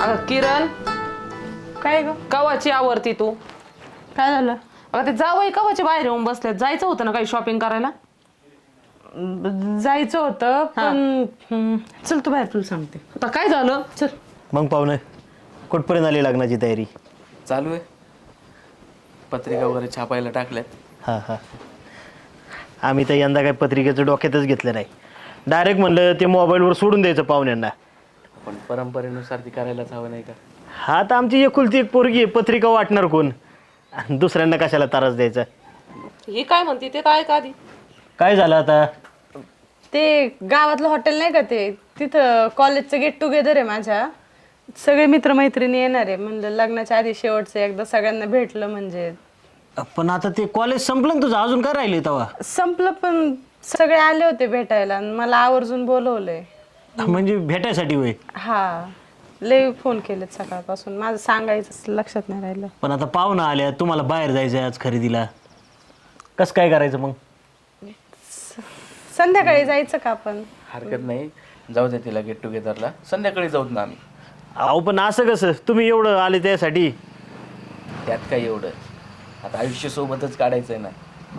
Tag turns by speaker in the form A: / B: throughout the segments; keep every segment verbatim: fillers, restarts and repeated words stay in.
A: अगं किरण,
B: काय ग?
A: कवाची आवरती तू?
B: काय झालं?
A: अगं ते जावई कवाची बाहेर येऊन बसल्यात. जायचं होतं ना काही शॉपिंग करायला?
B: ब- जायचं होतं पण हम्म, चल तू बाहेर, तुला सांगते.
A: आता काय झालं?
B: चल.
C: मग पाहुणे कुठपर्यंत आली लग्नाची तयारी?
D: चालू आहे. पत्रिका वगैरे छापायला टाकल्यात.
C: हां हां आम्ही तर यंदा काही पत्रिकेचं डोक्यातच घेतलं नाही. डायरेक्ट म्हणलं ते मोबाईलवर सोडून द्यायचं पाहुण्यांना.
D: पण परंपरेनुसार ती करायलाच हवं नाही का?
C: हा तर आमची एकुलती एक पोरगी आहे, पत्रिका वाटणार कोण? आणि दुसऱ्यांना कशाला त्रास द्यायचा?
A: ही काय म्हणते ते तर ऐका आधी.
C: काय झालं आता?
B: ते गावातलं हॉटेल नाही का, ते तिथं कॉलेजचं गेट टुगेदर आहे माझ्या. सगळे मित्रमैत्रिणी येणार आहे. म्हणलं लग्नाच्या आधी शेवटचं एकदा सगळ्यांना भेटलं म्हणजे.
C: पण आता ते कॉलेज संपलं ना तुझं, अजून काय राहिले तेव्हा?
B: संपलं पण सगळे आले होते भेटायला आणि मला आवर्जून बोलवलंय.
C: म्हणजे भेटायसाठी होय?
B: हा, लय फोन केलेत सकाळपासून. माझं सांगायचं लक्षात नाही राहिलं.
C: पण आता पाहुणा आल्या, तुम्हाला बाहेर जायचं आहे आज खरेदीला, कसं काय करायचं मग?
B: संध्याकाळी जायचं का आपण?
D: हरकत नाही, जाऊ दे तिला गेट टुगेदरला. संध्याकाळी जाऊत ना आम्ही.
C: अहो पण असं कसं, तुम्ही एवढं आले त्यासाठी?
D: त्यात काय एवढं, आता आयुष्य सोबतच काढायचं आहे ना.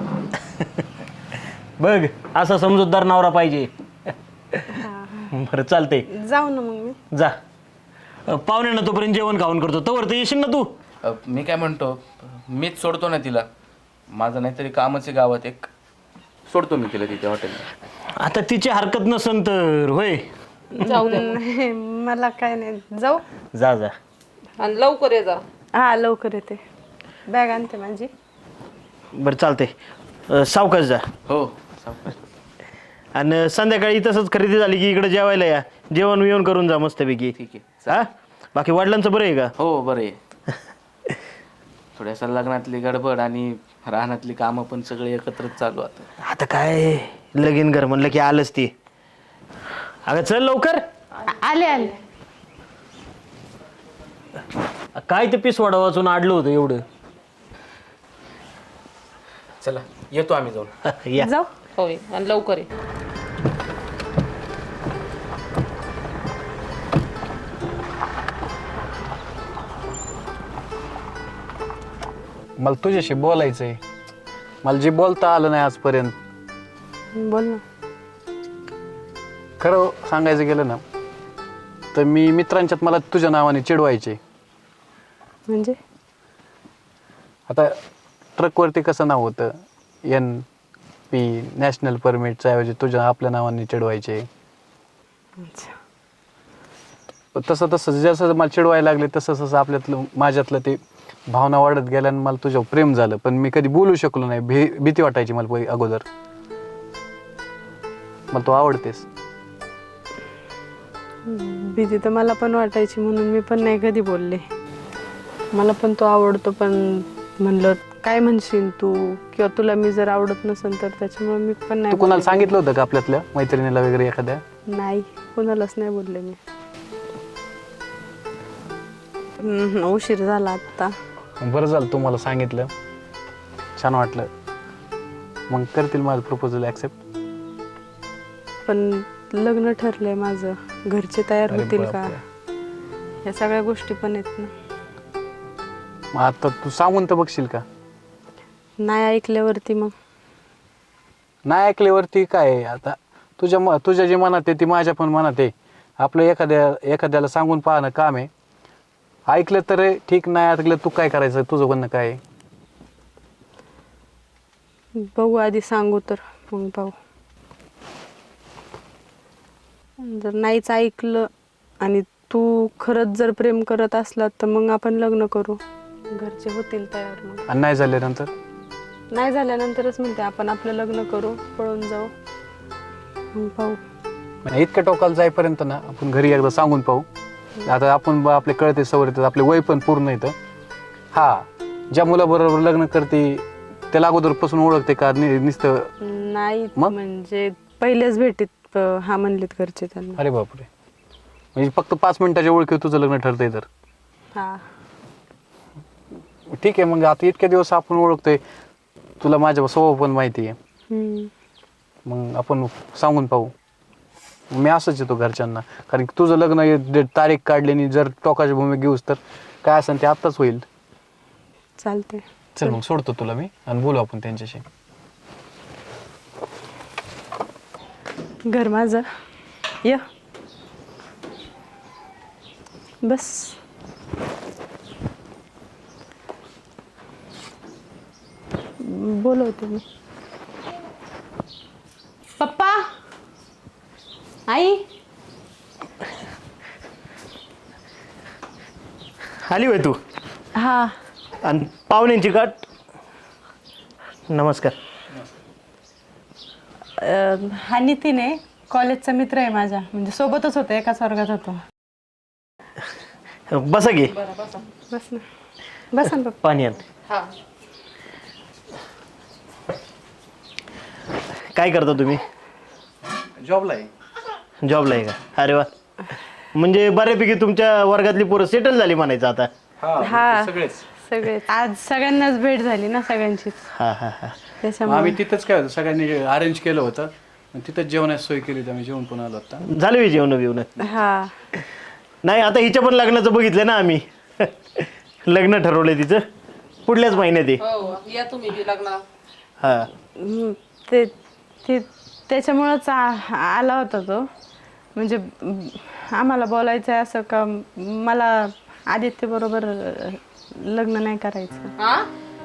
C: बघ, असा समजूतदार नवरा पाहिजे. बरं चालतंय,
B: जाऊ ना मग मी.
C: जा. अ, पाहुण्यांना तोपर्यंत जेवण खाऊन करतो, तोवर तर येशील ना तू?
D: अ, मी काय म्हणतो, मीच सोडतो ना तिला. माझं नाहीतरी कामच आहे गावात एक, सोडतो मी तिला तिथे हॉटेलला.
C: आता तिची हरकत नसन तर होय.
A: जाऊ दे.
B: नाही, मला काय नाही. जाऊ.
C: जा जा.
A: आणि लवकर ये जा.
B: हा, लवकर येते. बॅग आणते माझी.
C: बरं चालतंय, सावकाश जा.
D: हो, सावकाश.
C: आणि संध्याकाळी तसंच खरेदी झाली की इकडे जेवायला या, जेवण विवण करून जा मस्तपैकी.
D: ठीक आहे.
C: हा, बाकी वडिलांचं बरं आहे का?
D: हो, बरं आहे. थोड्यासा लग्नातली गडबड आणि राहण्यातली कामं पण सगळे एकत्रच चालू आता.
C: आता काय लगीन घर म्हणलं की आलंच ती. अगं चल लवकर.
B: आले आले.
C: काय ते पीस वडा वाचून आडलं होतं एवढं.
D: चला, येतो आम्ही जाऊन.
C: या.
B: जाऊ.
A: होय, आणि लवकर ये.
E: मला तुझ्याशी बोलायचं आहे. मला जे बोलता आलं नाही आजपर्यंत.
B: बोल ना.
E: खरं सांगायचं गेलं ना तर मी मित्रांच्यात मला तुझ्या नावाने चिडवायचे.
B: म्हणजे
E: आता ट्रकवरती कसं नाव होतं, एन पी नॅशनल परमिटच्या ऐवजी तुझ्या आपल्या नावाने चिडवायचे.
B: अच्छा.
E: पण तसं तसं जसं मला चिडवायला लागले तसं तसं आपल्यातलं माझ्यातलं ते भावना वाढत गेल्या आणि मला तुझ्यावर प्रेम झालं. पण मी कधी बोलू शकलो नाही. भी भीती वाटायची मला पहिले अगोदर. मला तू आवडतेस.
B: भीती तर मला पण वाटायची, म्हणून मी पण नाही कधी बोलले. मला पण तो आवडतो, पण म्हणलं काय म्हणशील तू, किंवा तुला मी जर आवडत नसेल तर त्याच्यामुळे मी पण नाही
E: तू कोणाला
B: बोलले.
E: सांगितलं होतं का आपल्यातल्या मैत्रिणीला वगैरे एखाद्या?
B: नाही, कोणालाच नाही बोलले मी. हम्म, उशीर झाला आता.
E: बरं झालं तू मला सांगितलं, छान वाटलं. मग करतील माझं प्रपोजल ॲक्सेप्ट?
B: पण लग्न ठरलंय माझं, घरचे तयार
E: अरे
B: होतील का,
E: बापरे.
B: या सगळ्या गोष्टी पण आहेत ना.
E: मग आता तू सांगून तर बघशील का?
B: नाही ऐकल्यावरती मग
E: नाही ऐकल्यावरती काय आहे? आता तुझ्या म तुझ्या जे मनात आहे ती माझ्या पण मनात आहे. आपलं एखाद्या एखाद्याला सांगून पाहणं काम आहे. ऐकलं तर ठीक, नाही ऐकलं तू काय करायचं? तुझं म्हणणं काय आहे?
B: बघू, आधी सांगू तर मग पाहू. जर नाहीच ऐकलं आणि तू खरंच जर प्रेम करत असला तर मग आपण लग्न करू, घरचे होतील तयार. मग
E: आणि नाही झाल्यानंतर?
B: नाही झाल्यानंतरच म्हणते आपण आपलं लग्न करू, पळून जाऊ, मग पाहू.
E: म्हणजे इतक्या टोकाला जाईपर्यंत ना आपण घरी एकदा सांगून पाहू. आता आपण ब- आपले कळते सवय येतात, आपले वय पण पूर्ण येतं. हा, ज्या मुलाबरोबर लग्न करते त्याला अगोदरपासून ओळखते का नि- नुसतं?
B: नाही
E: मग?
B: म्हणजे पहिल्याच भेटीत अं, हा म्हणलेत घरचे त्यांना.
E: अरे बापरे, म्हणजे फक्त पाच मिनिटाच्या ओळखी तुझं लग्न ठरतंय तर?
B: हा,
E: ठीक आहे. मग आता इतक्या दिवस आपण ओळखतोय, तुला माझ्या स्वभाव पण माहिती आहे.
B: हम्म.
E: मग आपण सांगून पाहू. मी असंच येतो घरच्यांना, कारण की तुझं लग्न हे डे- तारीख काढली आणि जर टोकाची भूमी घेऊस तर काय असेल ते आत्ताच होईल.
B: चालते.
E: चल मग सोडतो तुला मी आणि बोलू आपण त्यांच्याशी.
B: घर माझं य बस. बोलवते मी.
A: पप्पा, आई,
C: आली होय तू?
B: हा.
C: आणि पाहुण्यांची गाठ. नमस्कार.
B: अं, हा नितीन आहे, कॉलेजचा मित्र आहे माझा, म्हणजे सोबतच होतो, एकाच वर्गात होतो.
C: बसा घे.
B: बस ना बस ना पप्पा.
C: पाणी आण. काय करता तुम्ही?
E: जॉबला आहे.
C: जॉबला आहे का? अरे वा. म्हणजे बऱ्यापैकी तुमच्या वर्गातली पोरं सेटल झाली म्हणायचं आता.
B: हा
E: सगळेच.
B: सगळे आज सगळ्यांनाच भेट झाली ना सगळ्यांचीच,
C: हा हा हा
B: त्याच्यामुळे.
E: आम्ही तिथंच काय होतं सगळ्यांनी अरेंज केलं होतं, तिथंच जेवणाची सोय केली होती, आम्ही जेवण पण आलो आता.
C: झालं मी जेवण बिवणं?
B: हा.
C: नाही, आता हिच्या पण लग्नाचं बघितलं ना आम्ही. लग्न ठरवलंय तिचं पुढल्याच महिन्यात आहे.
A: या तुम्ही बी लग्नाला.
C: हा.
B: हम्म, ते ते त्याच्यामुळंच आ- आला होता तो, म्हणजे म, आम्हाला बोलायचं आहे असं का मला आदित्य बरोबर लग्न नाही करायचं,
A: हा,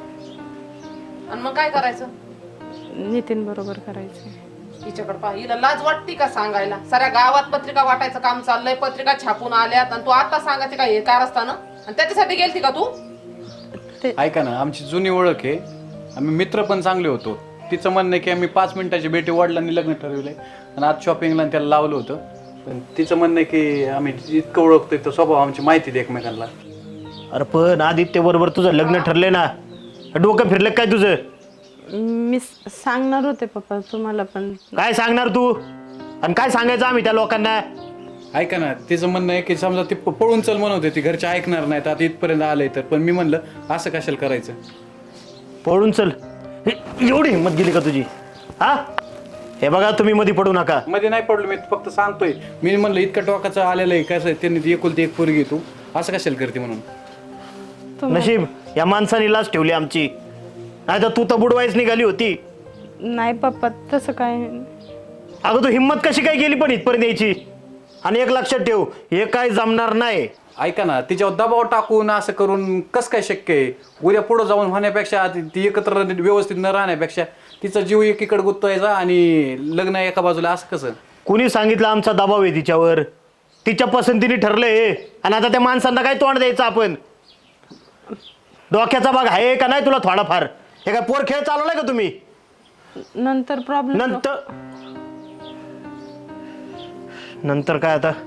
A: आणि मग काय करायचं?
B: नितीन बरोबर करायचं.
A: हिच्याकडे पहा, हिला लाज वाटते का सांगायला? साऱ्या गावात पत्रिका वाटायचं काम चाललंय, पत्रिका छापून आल्यात आणि तू आता सांगायचे काय हे कारस्थानं? आणि त्याच्यासाठी गेलती का तू?
E: ऐका ना, आमची जुनी ओळख आहे, आम्ही मित्र पण चांगले होतो. तिचं म्हणणं आहे की आम्ही पाच मिनिटाची भेटी वडिलांनी लग्न ठरवलंय आणि आज शॉपिंगला त्याला लावलं होतं. पण तिचं म्हणणं आहे की आम्ही इतकं ओळखतोय तर स्वभाव आमची माहिती दे एकमेकांना.
C: अरे पण आदित्य बरोबर तुझं लग्न ठरलंय ना, डोकं फिरलं काय तुझं?
B: मी स- सांगणार होते पप्पा तुम्हाला, पण
C: काय सांगणार तू? आणि काय सांगायचं आम्ही त्या लोकांना?
E: ऐका ना, तिचं म्हणणं आहे की समजा ती प- पळून चल म्हणत होती, घरचे ऐकणार नाहीत, आता इथपर्यंत आलंय तर. पण मी म्हणलं असं कशाला करायचं.
C: पळून चल, हे- एवढी हिंमत गेली का तुझी? हा, हे बघा तुम्ही मध्ये पडू नका.
E: मध्ये नाही पडलो, मी फक्त सांगतोय. मी म्हणलं इतकं टोकाचं आलेलं आहे, कसं आहे, त्यांनी ती एकुलती एक पोरगी तू असं कशाला करते म्हणून.
C: नशीब या माणसाने लाच ठेवली आमची, नाही तर तू तर बुडवायच निघाली होती.
B: नाही पप्पा तसं काय.
C: अगं तू हिंमत कशी काय गेली पण इथपर्यंत यायची? आणि एक लक्षात ठेव, हे काय जमणार नाही.
E: ऐका ना, तिच्यावर दबाव टाकून असं करून कसं काय शक्य आहे? उद्या पुढं जाऊन होण्यापेक्षा, ती ती एकत्र व्यवस्थित न राहण्यापेक्षा तिचा जीव एकीकडे गुंतवायचा आणि लग्न एका बाजूला, असं कसं?
C: कुणी सांगितलं आमचा दबाव आहे तिच्यावर? तिच्या पसंतीने ठरलंय हे. आणि आता त्या माणसांना काय तोंड द्यायचं आपण? डोक्याचा भाग आहे का नाही तुला थोडाफार? हे काय पोर खेळ चालवलाय का तुम्ही?
B: नंतर प्रॉब्लेम.
C: नंतर नंतर काय आता?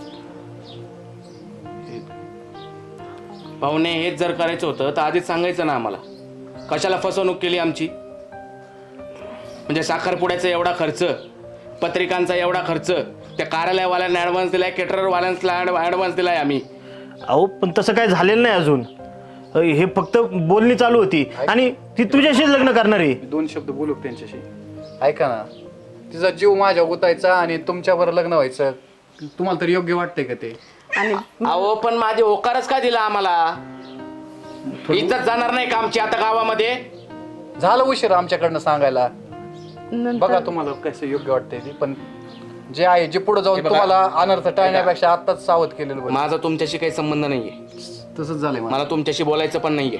D: पाहुणे, हेच जर करायचं होतं तर आधीच सांगायचं ना आम्हाला. कशाला फसवणूक केली आमची? म्हणजे साखरपुड्याचा एवढा खर्च, पत्रिकांचा एवढा खर्च, त्या कार्यालयवाल्यांना ॲडव्हान्स दिलाय, केटररवाल्यांना ॲडव्हान्स दिलाय आम्ही.
C: अहो पण तसं काय झालेलं नाही अजून. अ, हे फक्त बोलणी चालू होती आणि ती तुझ्याशीच लग्न करणार आहे.
E: दोन शब्द बोलू त्यांच्याशी. ऐका ना, तिचा जीव माझ्या गुतायचा आणि तुमच्यावर लग्न व्हायचं, तुम्हाला तर योग्य वाटतंय का ते?
B: आणि
D: अहो पण माझे होकारच का दिला आम्हाला? इज्जत जाणार नाही का आमची आता गावामध्ये?
E: झालं उशीर आमच्याकडनं सांगायला.
B: नंतर
E: बघा तुम्हाला कसं योग्य वाटतंय ते, पण जे आहे जे पुढे जाऊन तुम्हाला अनर्थ टाळण्यापेक्षा आत्ताच सावध केलेलं बरं.
D: माझा तुमच्याशी काही संबंध नाहीये,
E: तसंच झालंय मला.
D: मला तुमच्याशी बोलायचं पण नाहीये.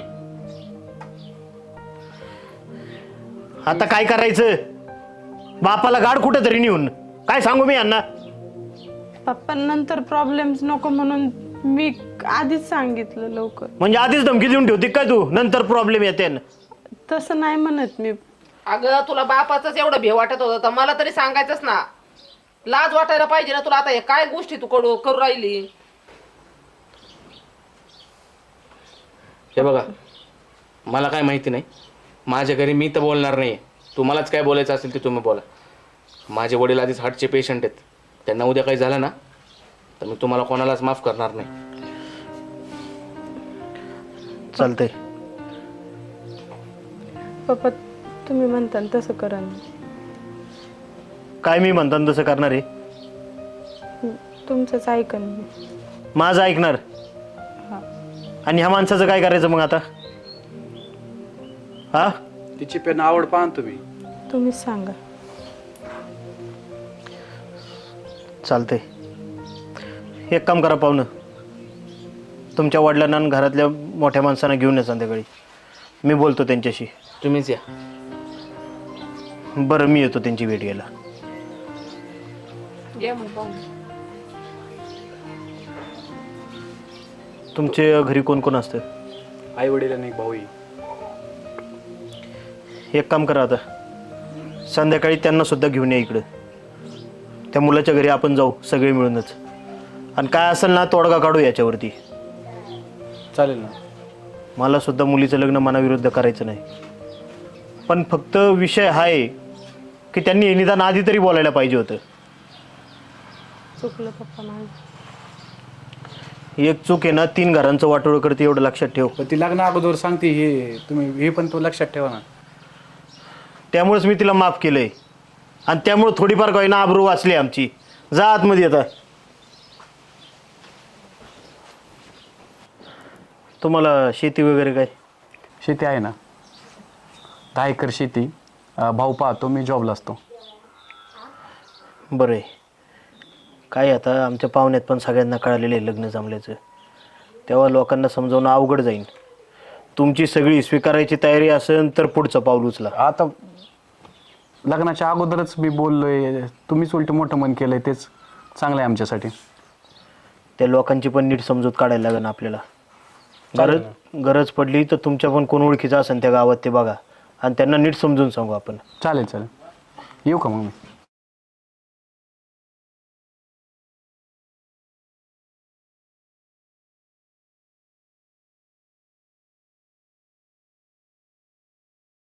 C: आता काय करायचं? बापाला गाड कुठं तरी नेऊन काय सांगू मी यांना?
B: पप्पा नंतर प्रॉब्लेम्स नको म्हणून मी आधीच सांगितलं लवकर.
C: म्हणजे आधीच धमकी देऊन ठेवते काय तू? नंतर प्रॉब्लेम येते ना.
B: तसं नाही म्हणत मी.
A: अगं तुला बापाचंच एवढं भे वाटत होतं तर मला तरी सांगायचंच ना. लाज वाटायला पाहिजे ना तुला. आता हे काय गोष्टी तू करू करू राहिली?
D: हे बघा, मला काय माहिती नाही, माझ्या घरी मी तर बोलणार नाही. तुम्हालाच काय बोलायचं असेल ते तुम्ही बोला. माझे वडील आधीच हार्टचे पेशंट आहेत, त्यांना उद्या काही झालं ना तर मी तुम्हाला कोणालाच माफ करणार नाही.
C: चालतंय.
B: पप्पा तुम्ही म्हणता तसं करा ना.
C: काय मी म्हणताना तसं करणार आहे?
B: तुमचंच ऐकन मी.
C: माझं ऐकणार आणि ह्या माणसाचं काय करायचं मग आता? हा
E: तिची पेन आवड पाहा ना तुम्ही.
B: तुम्हीच सांगा.
C: चालतंय. एक काम करा पाहुणं, तुमच्या वडिलांना आणि घरातल्या मोठ्या माणसांना घेऊन या संध्याकाळी. मी बोलतो त्यांच्याशी.
D: तुम्हीच या.
C: बरं मी येतो त्यांची भेट घ्यायला.
A: ये मग पाहून.
C: तुमच्या घरी कोण कोण असतं?
E: आई वडील आणि एक भाऊ.
C: एक काम करा आता, संध्याकाळी त्यांना सुद्धा घेऊन या इकडं. त्या मुलाच्या घरी आपण जाऊ सगळे मिळूनच, आणि काय असेल ना तोडगा काढू याच्यावरती.
E: चालेल ना.
C: मला सुद्धा मुलीचं लग्न मनाविरुद्ध करायचं नाही, पण फक्त विषय हा आहे की त्यांनी हे निदान आधी तरी बोलायला पाहिजे होतं.
B: चुकलं पप्पा माझं.
C: एक चूक आहे ना तीन घरांचं वाटोळं करते, एवढं लक्षात ठेव.
E: पण ती लग्न अगोदर सांगते हे तुम्ही, हे पण तो लक्षात ठेवा ना.
C: त्यामुळेच मी तिला माफ केलंय, आणि त्यामुळे थोडीफार काही ना आबरू वाचली आमची. जा आतमध्ये आता. तुम्हाला शेती वगैरे काय?
E: शेती आहे ना, दहा एकर शेती. अं, भाऊ पाहतो, मी जॉबला असतो.
C: बरं आहे. काय आता आमच्या पाहुण्यात पण सगळ्यांना कळालेलं आहे लग्न जमल्याचं, तेव्हा लोकांना समजावणं अवघड जाईल. तुमची सगळी स्वीकारायची तयारी असेल तर पुढचं पाऊल उचला.
E: आता लग्नाच्या अगोदरच मी बोललोय, तुम्हीच उलट मोठं मन केलंय, तेच चांगलं आहे आमच्यासाठी.
C: त्या लोकांची पण नीट समजूत काढायला लागेल आपल्याला. गरज गरज पडली तर तुमच्या पण कोण ओळखीचं असेल त्या गावात ते बघा, आणि त्यांना नीट समजून सांगू आपण.
E: चालेल चालेल. येऊ का मग मी?